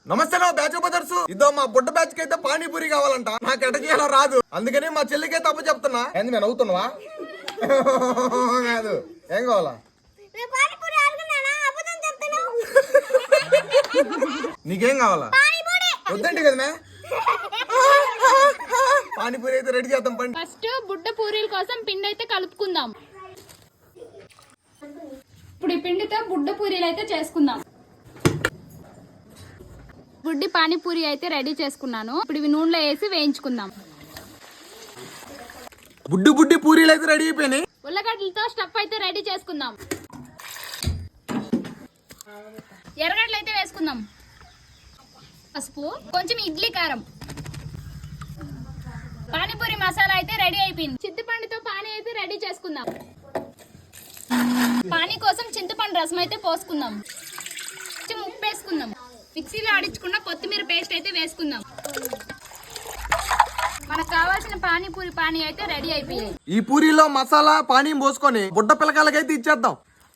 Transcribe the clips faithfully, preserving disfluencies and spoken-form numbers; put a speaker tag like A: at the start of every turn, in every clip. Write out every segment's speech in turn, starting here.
A: నమస్తే నా batch brothers. ఇదో మా బుడ్డ బ్యాచ్ కి అయితే పానీపూరి కావాలంట. నాకు ఎట చేయాలో రాదు, అందుకని మా చెల్లికే తప్పు చెప్తున్నా. ఏంది నేను అవుతున్నావా? కాదు, ఏం కావాలా? నీకేం కావాలా? వద్దండి కదా మే. పానీపూరి అయితే రెడీ చేద్దాం పండి.
B: ఫస్ట్ బుడ్డ పూరీల కోసం పిండి అయితే కలుపుకుందాం. ఇప్పుడు ఈ పిండితో బుడ్డ పూరీలు అయితే చేసుకుందాం. బుడ్డి పానీపూరి అయితే రెడీ చేసుకున్నాను. ఇప్పుడు ఇవి నూనెలో వేసి వేయించుకుందాం.
A: బుడ్డి బుడ్డి పూరీలు అయితే రెడీ అయిపోయినాయి.
B: ఉల్లగడ్డలతో స్టఫ్ అయితే రెడీ చేసుకుందాం. ఎర్రగడ్డలు అయితే వేసుకుందాం. పసుపు, కొంచెం ఇడ్లీ కారం. పానీపూరి మసాలా అయితే రెడీ అయిపోయింది. చింతపండుతో పానీ అయితే రెడీ చేసుకుందాం. పానీ కోసం చింతపండు రసం అయితే పోసుకుందాం. కొంచెం ఉప్పు వేసుకుందాం. మిక్సీలో ఆడించుకున్న కొత్తిమీర పేస్ట్ అయితే వేసుకుందాం. మనకు కావాల్సిన పానీపూరి పానీ అయితే రెడీ అయిపోయాయి.
A: ఈ పూరీలో మసాలా పానీ పోసుకొని బుడ్డ పిల్లకాయలకైతే ఇచ్చేద్దాం.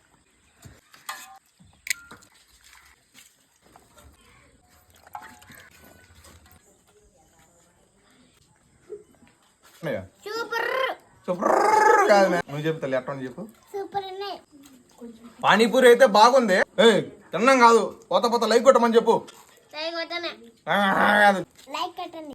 B: సూపర్
A: సూపర్ కాదు నువ్వు చెప్తా ఎట్లా చెప్పు. పానీపూరి అయితే బాగుంది. తిన్నాం కాదు, పోత పోత లైక్ కొట్టమని చెప్పు.
C: లైక్ కొట్టండి.